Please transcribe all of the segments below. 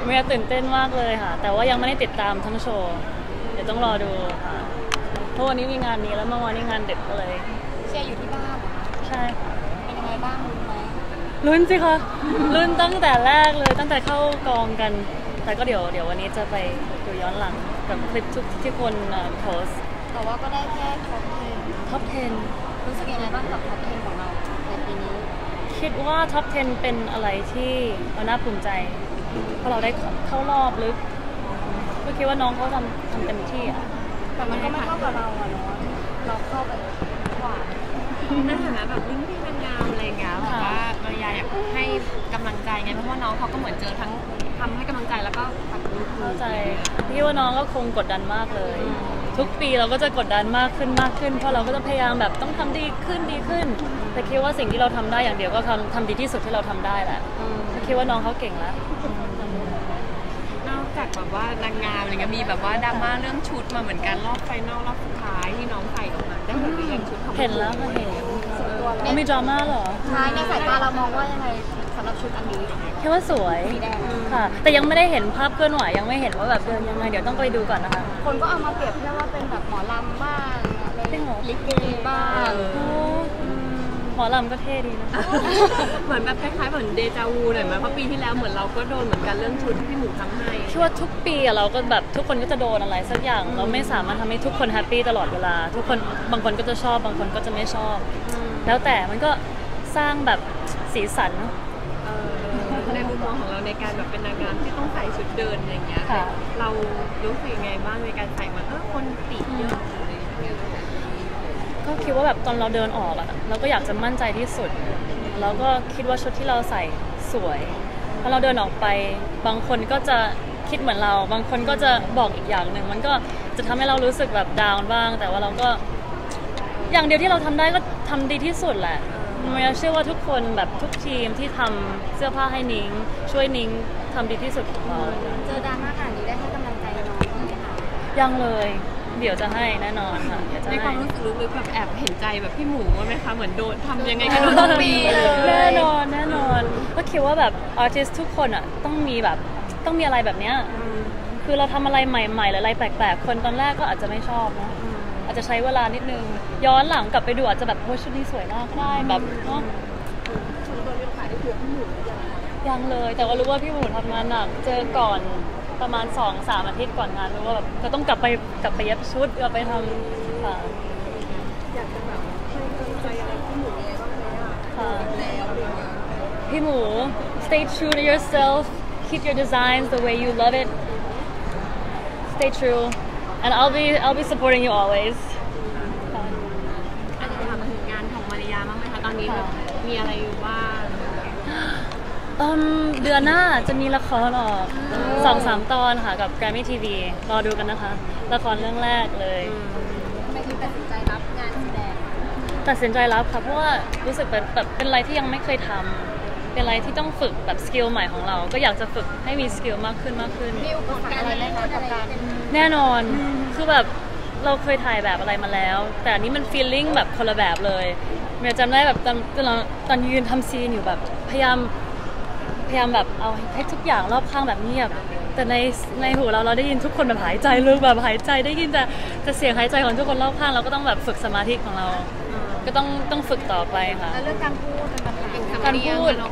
เมียตื่นเต้นมากเลยค่ะแต่ว่ายังไม่ได้ติดตามทั้งโชว์เดี๋ยวต้องรอดูค่ะเพราะวันนี้มีงานนี้แล้วเมื่อวานนี้งานเด็กก็เลยเชียร์อยู่ที่บ้านเหรอคะใช่ค่ะเป็นยังไงบ้างรู้ไหมลุ้นสิคะลุ้นตั้งแต่แรกเลยตั้งแต่เข้ากองกันแต่ก็เดี๋ยววันนี้จะไปดูย้อนหลังกับคลิปทุกที่คนโพสแต่ว่าก็ได้แค่ท็อป 10รู้สึกยังไงบ้างกับท็อป10ของเราในปีนี้คิดว่าท็อป 10เป็นอะไรที่เราน่าภูมิใจเพราะเราได้เข้ารอบลึกก็คิดว่าน้องเขาทำเต็มที่อ่ะแต่มันก็ไม่เท่ากับเราอะเนาะเราเข้าไปกว่าในฐานะแบบรุ่นพี่นางงามอะไรเงี้ยแบบว่ามาริยาอยากให้กำลังใจไงเพราะว่าน้องเขาก็เหมือนเจอทั้งทำให้กำลังใจแล้วก็ปัดลุกเข้าใจพี่ว่าน้องก็คงกดดันมากเลยทุกปีเราก็จะกดดันมากขึ้นเพราะเราก็จะพยายามแบบต้องทำดีขึ้นแต่คิดว่าสิ่งที่เราทำได้อย่างเดียวก็ทำดีที่สุดที่เราทำได้แหละคิดว่าน้องเขาเก่งแล้วนอกจากแบบว่านางงามอะไรเงี้ยมีแบบว่าดราม่าเรื่องชุดมาเหมือนกันรอบไฟนอลรอบสุดท้ายที่น้องใส่ออกมาได้เห็นหรือยังชุดเห็นแล้วเห็นมีดราม่าเหรอใช่ในสายตาเรามองว่ายังไงสำหรับชุดอันนี้คิดว่าสวยค่ะแต่ยังไม่ได้เห็นภาพเคลื่อนไหวยังไม่เห็นว่าแบบเดินยังไงเดี๋ยวต้องไปดูก่อนนะคะคนก็เอามาเปรียบเทียบว่าเป็นแบบหมอลำบ้างอะไรลิเกบ้างหมอลำก็เท่ดีนะเหมือนแบบคล้ายๆเหมือนเดจาวูหน่อยไหมเพราะปีที่แล้วเหมือนเราก็โดนเหมือนกันเรื่องชุดที่หมูทำให้คิดว่าทุกปีเราก็แบบทุกคนก็จะโดนอะไรสักอย่างเราไม่สามารถทำให้ทุกคนแฮปปี้ตลอดเวลาทุกคนบางคนก็จะชอบบางคนก็จะไม่ชอบแล้วแต่มันก็สร้างแบบสีสันในมุมมองของเราในการแบบเป็นนางงามที่ต้องใส่ชุดเดินอย่างเงี้ยเรารู้สึกยังไงบ้างในการใส่มันคนติเยอะอะไรอย่างเงี้ยก็คิดว่าแบบตอนเราเดินออกอะเราก็อยากจะมั่นใจที่สุดแล้วก็คิดว่าชุดที่เราใส่สวยพอเราเดินออกไปบางคนก็จะคิดเหมือนเราบางคนก็จะบอกอีกอย่างหนึ่งมันก็จะทำให้เรารู้สึกแบบดาวน์บ้างแต่ว่าเราก็อย่างเดียวที่เราทำได้ก็ทำดีที่สุดแหละเมียเชื่อว่าทุกคนแบบทุกทีมที่ทำเสื้อผ้าให้นิ้งช่วยนิ้งทำดีที่สุดของเราเจอดราม่าขนาดนี้ได้ให้กำลังใจน้องไหมคะยังเลยเดี๋ยวจะให้แน่นอนค่ะในความรู้สึกลึกๆแบบแอบเห็นใจแบบพี่หมูไหมคะเหมือนโดนทำยังไงก็โดนทุกปีแน่นอนก็คิดว่าแบบอาร์ติสต์ทุกคนอ่ะต้องมีอะไรแบบเนี้ยคือเราทำอะไรใหม่ๆหรืออะไรแปลกๆคนตอนแรกก็อาจจะไม่ชอบนะอาจจะใช้เวลานิดนึงย้อนหลังกลับไปดูอาจจะแบบโอ้ชุดนี้สวยมากได้แบบเนาะยังเลยแต่ว่ารู้ว่าพี่หมูทำงานหนักเจอก่อนประมาณ 2-3 อาทิตย์ก่อนงานรู้ว่าแบบก็ต้องกลับไปเย็บชุดกลับไปทำค่ะอยากจะแบบให้กำลังใจอะไรพี่หมูยังไงบ้างไหมค่ะพี่หมู stay true to yourself keep your designs the way you love it stay true and I'll be supporting you always อาจจะทำถึงงานของมาริยาบ้างไหมคะตอนนี้แบบมีอะไรอยู่บ้างเดือนหน้าจะมีละครออก 2-3 ตอนค่ะกับ Grammy TV รอดูกันนะคะละครเรื่องแรกเลยทำไมถึงตัดสินใจรับงานแสดงตัดสินใจรับค่ะเพราะว่ารู้สึกแบบเป็นอะไรที่ยังไม่เคยทำเป็นอะไรที่ต้องฝึกแบบสกิลใหม่ของเราก็อยากจะฝึกให้มีสกิลมากขึ้นมีอุปสรรคอะไรไหมคะกับการแน่นอนคือแบบเราเคยถ่ายแบบอะไรมาแล้วแต่อันนี้มัน feeling แบบคนละแบบเลยเมียจำได้แบบตอนยืนทำซีนอยู่แบบพยายามแบบเอาให้ทุกอย่างรอบข้างแบบเงียบแต่ในหูเราได้ยินทุกคนแบบหายใจลึกแบบหายใจได้ยินแต่เสียงหายใจของทุกคนรอบข้างเราก็ต้องแบบฝึกสมาธิของเราก็ต้องฝึกต่อไปค่ะแล้วเรื่องการพูดเป็นปัญหาการพูด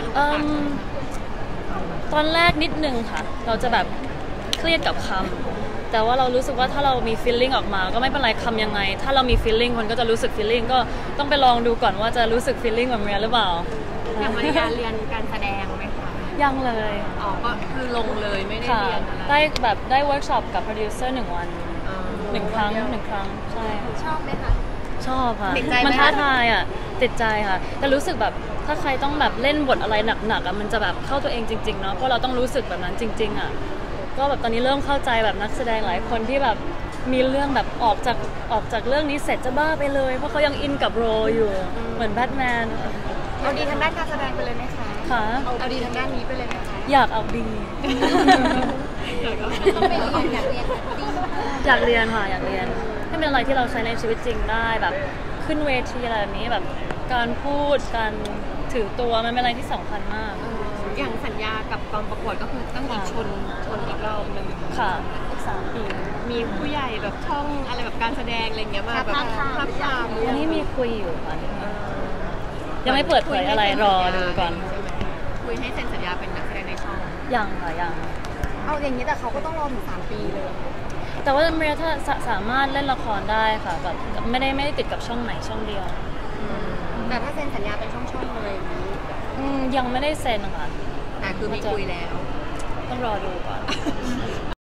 ตอนแรกนิดนึงค่ะเราจะแบบเครียดกับคำแต่ว่าเรารู้สึกว่าถ้าเรามี feeling ออกมาก็ไม่เป็นไรคำยังไงถ้าเรามี feeling คนก็จะรู้สึก feeling ก็ต้องไปลองดูก่อนว่าจะรู้สึก feeling แบบนี้หรือเปล่าอย่างมาริยาเรียนการแสดงไหมคะยังเลยก็คือลงเลยไม่ได้เรียนอะไรได้เวิร์กช็อปกับโปรดิวเซอร์1 วัน1 ครั้งใช่ชอบไหมคะชอบค่ะมันท้าทายอ่ะติดใจค่ะแต่รู้สึกแบบถ้าใครต้องแบบเล่นบทอะไรหนักๆอ่ะมันจะแบบเข้าตัวเองจริงๆเนาะเพราะเราต้องรู้สึกแบบนั้นจริงๆอ่ะก็แบบตอนนี้เริ่มเข้าใจแบบนักแสดงหลายคนที่แบบมีเรื่องแบบออกจากเรื่องนี้เสร็จจะบ้าไปเลยเพราะเขายังอินกับโรอยู่เหมือนแบทแมนเอาดีทางด้านการแสดงไปเลยไหมคะค่ะเอาดีทางด้านนี้ไปเลยไหมคะอยากเอาดีต้องไปเรียนอยากเรียนค่ะอยากเรียนให้เป็นอะไรที่เราใช้ในชีวิตจริงได้แบบขึ้นเวทีอะไรแบบนี้แบบการพูดการถือตัวมันเป็นอะไรที่สำคัญมากอย่างสัญญากับกองประกวดก็คือต้องอีกชนอีกรอบหนึ่งค่ะอีก3 ปีมีผู้ใหญ่แบบช่องอะไรแบบการแสดงอะไรเงี้ยมาแบบทับทามอันนี้มีคุยอยู่ค่ะยังไม่เปิดเผยอะไรรอดูก่อนใช่ไหมคุยให้เซ็นสัญญาเป็นนักแสดงในช่องยังค่ะยังเอาอย่างนี้แต่เขาก็ต้องรอถึง3 ปีเลยแต่ว่าเมริยาสามารถเล่นละครได้ค่ะแบบไม่ได้ติดกับช่องไหนช่องเดียวแต่ถ้าเซ็นสัญญาเป็นช่องๆเลยยังไม่ได้เซ็นค่ะแต่คือมีคุยแล้วต้องรอดูก่อน